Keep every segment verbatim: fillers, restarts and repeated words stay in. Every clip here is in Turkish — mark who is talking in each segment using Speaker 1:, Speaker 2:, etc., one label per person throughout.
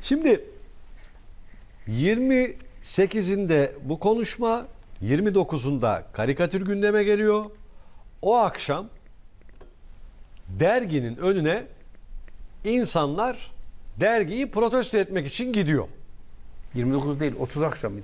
Speaker 1: Şimdi yirmi sekizinde bu konuşma, yirmi dokuzunda karikatür gündeme geliyor. O akşam derginin önüne insanlar dergiyi protesto etmek için gidiyor.
Speaker 2: yirmi dokuz değil, otuz akşamıydı.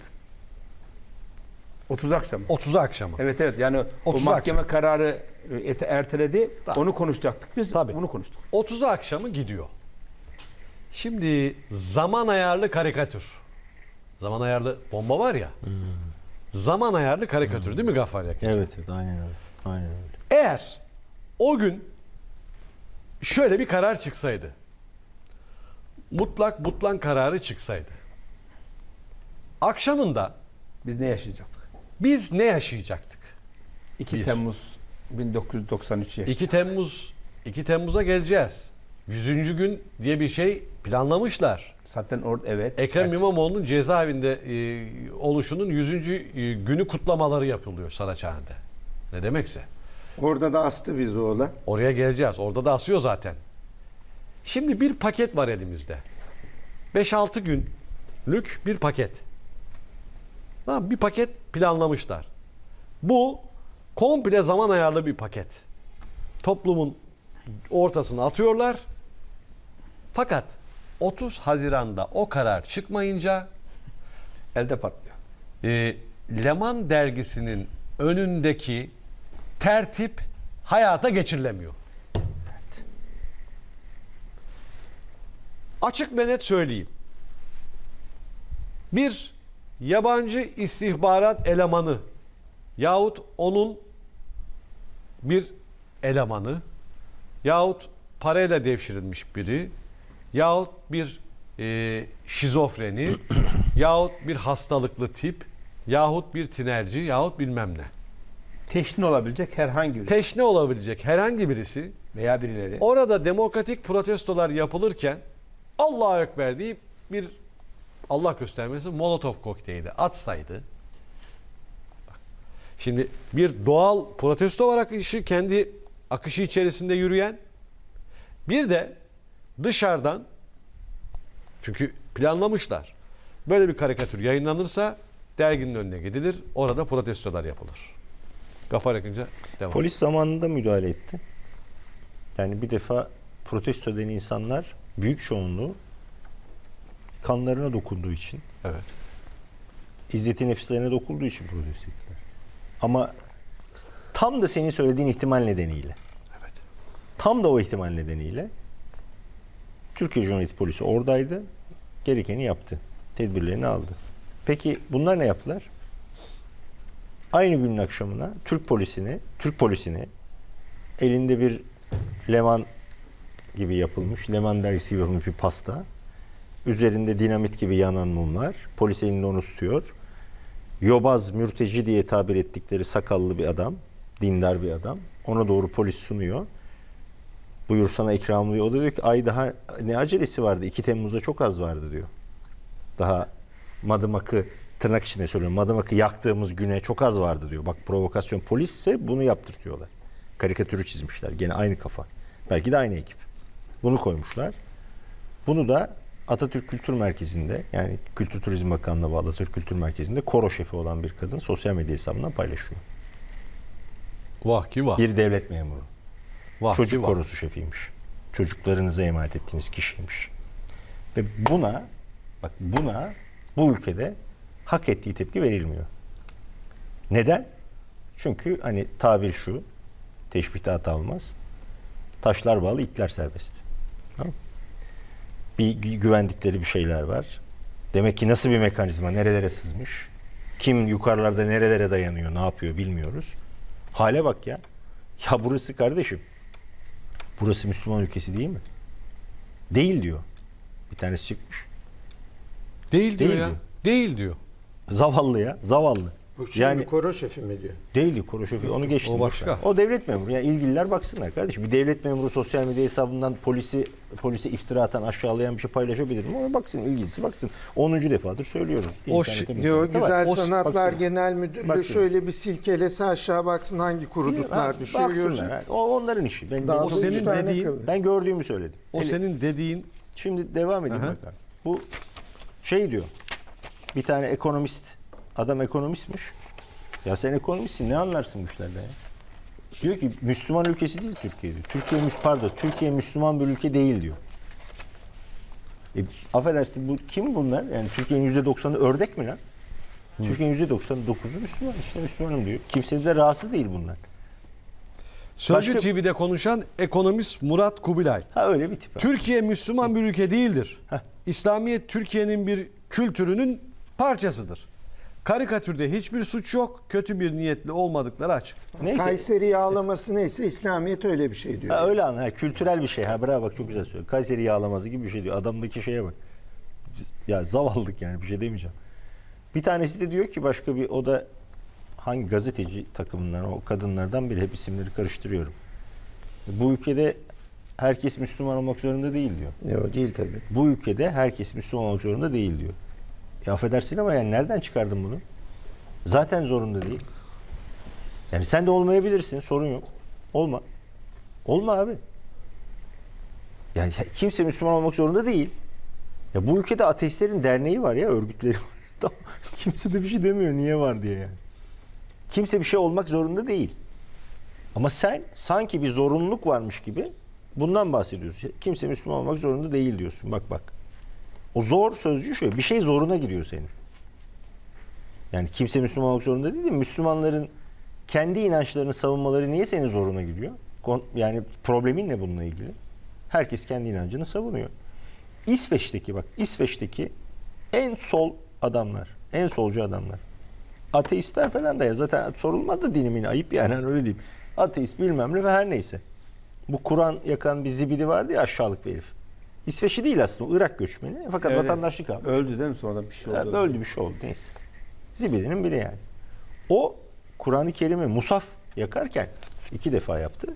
Speaker 2: otuz akşam.
Speaker 1: otuz akşamı.
Speaker 2: Evet evet, yani o
Speaker 1: otuz
Speaker 2: mahkeme
Speaker 1: akşam.
Speaker 2: kararı ete- erteledi.
Speaker 1: Tamam.
Speaker 2: Onu konuşacaktık biz.
Speaker 1: Tabii.
Speaker 2: Bunu konuştuk.
Speaker 1: otuz akşamı gidiyor. Şimdi zaman ayarlı karikatür. Zaman ayarlı bomba var ya.
Speaker 3: Hmm.
Speaker 1: Zaman ayarlı karikatür değil mi Gaffar Yakın?
Speaker 3: Evet evet aynen öyle. Aynen öyle.
Speaker 1: Eğer o gün şöyle bir karar çıksaydı. Mutlak butlan kararı çıksaydı. Akşamında
Speaker 2: Biz ne yaşayacaktık?
Speaker 1: biz ne yaşayacaktık?
Speaker 2: iki
Speaker 1: Bir.
Speaker 2: Temmuz bin dokuz yüz doksan üç yaşında.
Speaker 1: iki Temmuz iki Temmuz'a geleceğiz. yüzüncü gün diye bir şey planlamışlar.
Speaker 2: Zaten orada evet.
Speaker 1: Ekrem
Speaker 2: Ersi-
Speaker 1: İmamoğlu'nun cezaevinde e, oluşunun yüzüncü e, günü kutlamaları yapılıyor Saraçhane'de. Ne demekse.
Speaker 4: Orada da astı bizi oğlan.
Speaker 1: Oraya geleceğiz. Orada da asıyor zaten. Şimdi bir paket var elimizde. beş altı günlük bir paket. Tamam, bir paket planlamışlar. Bu komple zaman ayarlı bir paket. Toplumun ortasına atıyorlar. Fakat otuz Haziran'da o karar çıkmayınca
Speaker 2: elde patlıyor.
Speaker 1: e, Leman dergisinin önündeki tertip hayata geçirilemiyor. Açık ve net söyleyeyim. Bir yabancı istihbarat elemanı yahut onun bir elemanı yahut parayla devşirilmiş biri yahut bir e, şizofreni yahut bir hastalıklı tip yahut bir tinerci yahut bilmem ne.
Speaker 2: Teşne olabilecek herhangi bir
Speaker 1: Teşne olabilecek herhangi birisi
Speaker 2: veya birileri.
Speaker 1: orada demokratik protestolar yapılırken Allahu Ekber deyip bir Allah göstermesi Molotov kokteyli atsaydı. Bak, şimdi bir doğal protesto var akışı, kendi akışı içerisinde yürüyen, bir de dışarıdan, çünkü planlamışlar, böyle bir karikatür yayınlanırsa derginin önüne gidilir, orada protestolar yapılır. Gaffar Yakınca devam.
Speaker 3: Polis zamanında müdahale etti. Yani bir defa protesto eden insanlar büyük çoğunluğu kanlarına dokunduğu için,
Speaker 1: Evet.
Speaker 3: izzeti nefislerine dokunduğu için protesto ettiler. Ama tam da senin söylediğin ihtimal nedeniyle,
Speaker 1: Evet.
Speaker 3: tam da o ihtimal nedeniyle Türkiye Cumhuriyeti Polisi oradaydı. Gerekeni yaptı. Tedbirlerini aldı. Peki bunlar ne yaptılar? Aynı günün akşamına Türk polisini, Türk polisini elinde bir Leman gibi yapılmış, Leman dergisi gibi yapılmış bir pasta, üzerinde dinamit gibi yanan mumlar, polis elinde onu tutuyor. Yobaz, mürteci diye tabir ettikleri sakallı bir adam, dindar bir adam, ona doğru polis sunuyor. Buyur sana ikram diyor. O da diyor ki ay daha ne acelesi vardı, iki Temmuz'da çok az vardı diyor. Daha Madımak'ı, tırnak içinde söylüyorum, Madımak'ı yaktığımız güne çok az vardı diyor. Bak provokasyon, polisse bunu yaptırtıyorlar. Karikatürü çizmişler. Gene aynı kafa. Belki de aynı ekip. Bunu koymuşlar. Bunu da Atatürk Kültür Merkezi'nde, yani Kültür Turizm Bakanlığı'na bağlı Atatürk Kültür Merkezi'nde koro şefi olan bir kadın sosyal medya hesabından paylaşıyor.
Speaker 1: Vah ki vah.
Speaker 3: Bir devlet memuru.
Speaker 1: Vah
Speaker 3: Çocuk
Speaker 1: ki vah.
Speaker 3: korosu şefiymiş. Çocuklarınıza emanet ettiğiniz kişiymiş. Ve buna, bak buna bu ülkede hak ettiği tepki verilmiyor. Neden? Çünkü hani tabir şu, teşbihte hata olmaz. Taşlar bağlı, itler serbest. Tamam mı? Bir gü- güvendikleri bir şeyler var. Demek ki nasıl bir mekanizma, nerelere sızmış? Kim yukarılarda nerelere dayanıyor, ne yapıyor bilmiyoruz. Hale bak ya. Ya burası kardeşim, burası Müslüman ülkesi değil mi? Değil diyor. Bir tanesi çıkmış.
Speaker 1: Değil diyor
Speaker 3: Değil
Speaker 1: ya.
Speaker 3: diyor.
Speaker 1: Değil diyor.
Speaker 3: Zavallı ya, zavallı.
Speaker 4: Bu şimdi
Speaker 3: Yani
Speaker 4: koro şefi mi diyor?
Speaker 3: değildi koro şefi, onu geçtim.
Speaker 1: O başka.
Speaker 3: boş ver. O devlet memuru. Yani ilgililer baksınlar kardeşim. Bir devlet memuru sosyal medya hesabından polisi polise iftira atan, aşağılayan bir şey paylaşabilir mi? Ona baksın, ilgilisi baksın. onuncu defadır söylüyoruz.
Speaker 1: O
Speaker 3: İnternette
Speaker 1: şey-
Speaker 3: bir-
Speaker 4: Diyor
Speaker 3: Tamam.
Speaker 4: Güzel
Speaker 1: o-
Speaker 4: Sanatlar
Speaker 3: baksın.
Speaker 4: Genel Müdürlüğü
Speaker 3: Baksın.
Speaker 4: şöyle bir silkelese aşağı baksın hangi kuruduklar
Speaker 3: Ha,
Speaker 4: düşüyor.
Speaker 3: baksınlar.
Speaker 4: görecek.
Speaker 3: Ha. O onların işi. Ben,
Speaker 4: Daha
Speaker 3: ben-
Speaker 1: O
Speaker 4: da üç
Speaker 1: senin
Speaker 4: tane
Speaker 1: dediğin-
Speaker 4: kalır.
Speaker 3: ben gördüğümü söyledim.
Speaker 1: O
Speaker 3: Hele-
Speaker 1: senin dediğin
Speaker 3: Şimdi devam edeyim
Speaker 1: Aha.
Speaker 3: bakalım. Bu şey diyor. Bir tane ekonomist, adam ekonomistmiş. Ya sen ekonomistsin, ne anlarsın bu işlerden ya? Diyor ki Müslüman ülkesi değil Türkiye diyor. Türkiye Müs pardon, Türkiye Müslüman bir ülke değil diyor. E, affedersin bu kim bunlar? Yani Türkiye'nin yüzde doksanı ördek mi lan? Hı. Türkiye'nin yüzde doksan dokuzu Müslüman. İşte Müslümanım diyor. Kimse de rahatsız değil bunlar.
Speaker 1: Sözcü
Speaker 3: Başka-
Speaker 1: T V'de konuşan ekonomist Murat Kubilay.
Speaker 3: Ha öyle bir tip.
Speaker 1: Türkiye Müslüman bir ülke değildir.
Speaker 3: Heh.
Speaker 1: İslamiyet Türkiye'nin bir kültürünün parçasıdır. Karikatürde hiçbir suç yok. Kötü bir niyetli olmadıkları açık.
Speaker 3: Neyse.
Speaker 4: Kayseri yağlaması neyse İslamiyet öyle bir şey diyor.
Speaker 3: Ha, öyle anla. Ha, kültürel bir şey. Ha bravo bak çok güzel söylüyor. Kayseri yağlaması gibi bir şey diyor. Adamdaki şeye bak. Ya zavallılık yani bir şey demeyeceğim. Bir tanesi de diyor ki başka bir o da hangi gazeteci takımından o kadınlardan biri hep isimleri karıştırıyorum. Bu ülkede herkes Müslüman olmak zorunda değil diyor.
Speaker 4: Yok değil tabii.
Speaker 3: Bu ülkede herkes Müslüman olmak zorunda değil diyor. Ya affedersin ama yani nereden çıkardın bunu? Zaten zorunda değil. Yani sen de olmayabilirsin. Sorun yok. Olma. Olma abi. Yani kimse Müslüman olmak zorunda değil. Ya bu ülkede ateistlerin derneği var ya, örgütleri var. Tamam. Kimse de bir şey demiyor niye var diye yani. Kimse bir şey olmak zorunda değil. Ama sen sanki bir zorunluluk varmış gibi bundan bahsediyorsun. Kimse Müslüman olmak zorunda değil diyorsun. Bak bak. O zor sözcüğü şöyle. Bir şey zoruna giriyor senin. Yani kimse Müslüman olmak zorunda değil de Müslümanların kendi inançlarını savunmaları niye senin zoruna gidiyor? Yani problemin ne bununla ilgili? Herkes kendi inancını savunuyor. İsveç'teki bak İsveç'teki en sol adamlar, en solcu adamlar. Ateistler falan da ya zaten sorulmaz da dinimin ayıp yani hani öyle diyeyim. Ateist bilmem ne ve her neyse. Bu Kur'an yakan bir zibidi vardı ya aşağılık bir herif. İsveçli değil aslında, Irak göçmeni fakat
Speaker 2: Evet.
Speaker 3: vatandaşlık aldı.
Speaker 2: Öldü değil mi sonra bir şey oldu?
Speaker 3: Ya, öldü bir şey oldu neyse. Zibidinin biri yani. O Kur'an-ı Kerim'i musaf yakarken iki defa yaptı.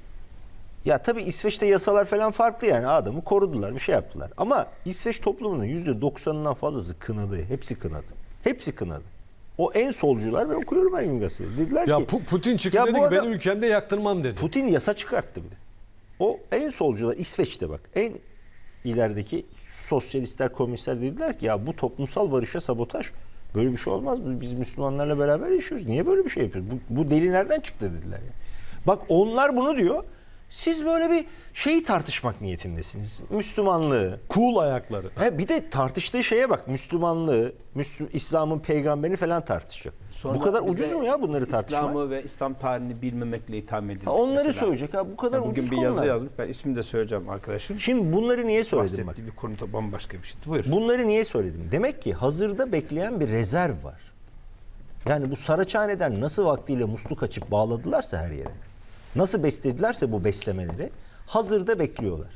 Speaker 3: Ya tabii İsveç'te yasalar falan farklı yani adamı korudular bir şey yaptılar. Ama İsveç toplumunun yüzde doksanından fazlası kınadı. Hepsi kınadı. Hepsi kınadı. O en solcular ben okuyorum ben gazetede. Dediler
Speaker 1: Ya
Speaker 3: ki
Speaker 1: Pu- Putin çıktı
Speaker 3: Ya
Speaker 1: dedi
Speaker 3: bu
Speaker 1: ki
Speaker 3: adam-
Speaker 1: benim ülkemde yaktırmam dedi.
Speaker 3: Putin yasa çıkarttı bir de. O en solcular İsveç'te bak en ilerideki sosyalistler, komünistler dediler ki ya bu toplumsal barışa sabotaj. Böyle bir şey olmaz. Biz Müslümanlarla beraber yaşıyoruz. Niye böyle bir şey yapıyoruz? Bu, bu deli nereden çıktı dediler ya. Bak onlar bunu diyor. Siz böyle bir şeyi tartışmak niyetindesiniz. Müslümanlığı.
Speaker 1: Cool ayakları.
Speaker 3: He, bir de tartıştığı şeye bak. Müslümanlığı, Müslü, İslam'ın peygamberini falan tartışacak.
Speaker 2: Sonra
Speaker 3: bu kadar
Speaker 2: bize
Speaker 3: ucuz mu ya bunları tartışmak?
Speaker 2: İslam'ı ve İslam tarihini bilmemekle itham edildi.
Speaker 3: Ha, onları
Speaker 2: mesela.
Speaker 3: söyleyecek. Ha, bu kadar
Speaker 2: Ya bugün
Speaker 3: ucuz
Speaker 2: bir
Speaker 3: konular.
Speaker 2: yazı yazmış. Ben ismini de söyleyeceğim arkadaşım.
Speaker 3: Şimdi bunları niye söyledim bak?
Speaker 2: Bahsettiği bir konu da bambaşka bir şey. Buyur.
Speaker 3: Bunları niye söyledim? Demek ki hazırda bekleyen bir rezerv var. Yani bu Saraçhane'den nasıl vaktiyle musluk açıp bağladılarsa her yere, nasıl besledilerse bu beslemeleri hazırda bekliyorlar.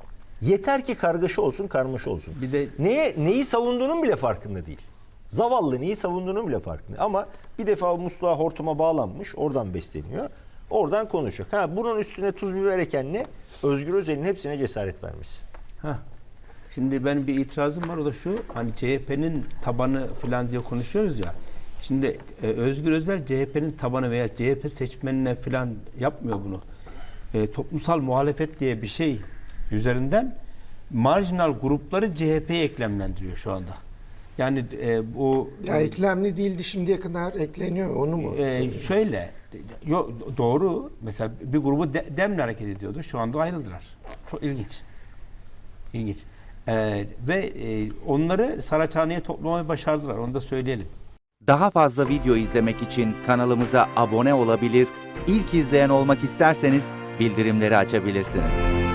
Speaker 3: Yeter ki kargaşa olsun, karmaşa olsun.
Speaker 2: Bir de-
Speaker 3: Neye, neyi savunduğunun bile farkında değil. Zavallı neyi savunduğunun bile farkında. Ama bir defa o musluğa hortuma bağlanmış, oradan besleniyor. Oradan konuşacak. Ha, bunun üstüne tuz biber ekenle Özgür Özel'in hepsine cesaret vermiş.
Speaker 2: Heh. Şimdi benim bir itirazım var, o da şu, hani C H P'nin tabanı falan diye konuşuyoruz ya. Şimdi e, Özgür Özel C H P'nin tabanı veya C H P seçmenine falan yapmıyor bunu. E, toplumsal muhalefet diye bir şey üzerinden marjinal grupları C H P'ye eklemlendiriyor şu anda. Yani e, bu
Speaker 4: Ya eklemli değildi şimdiye kadar ekleniyor onu mu?
Speaker 2: e, şöyle yo, doğru, mesela bir grubu de, demle hareket ediyordu. Şu anda ayrıldılar. Çok ilginç. İlginç. Ee, ve e, onları Saraçhane'ye toplamayı başardılar. Onu da söyleyelim.
Speaker 5: Daha fazla video izlemek için kanalımıza abone olabilir, ilk izleyen olmak isterseniz bildirimleri açabilirsiniz.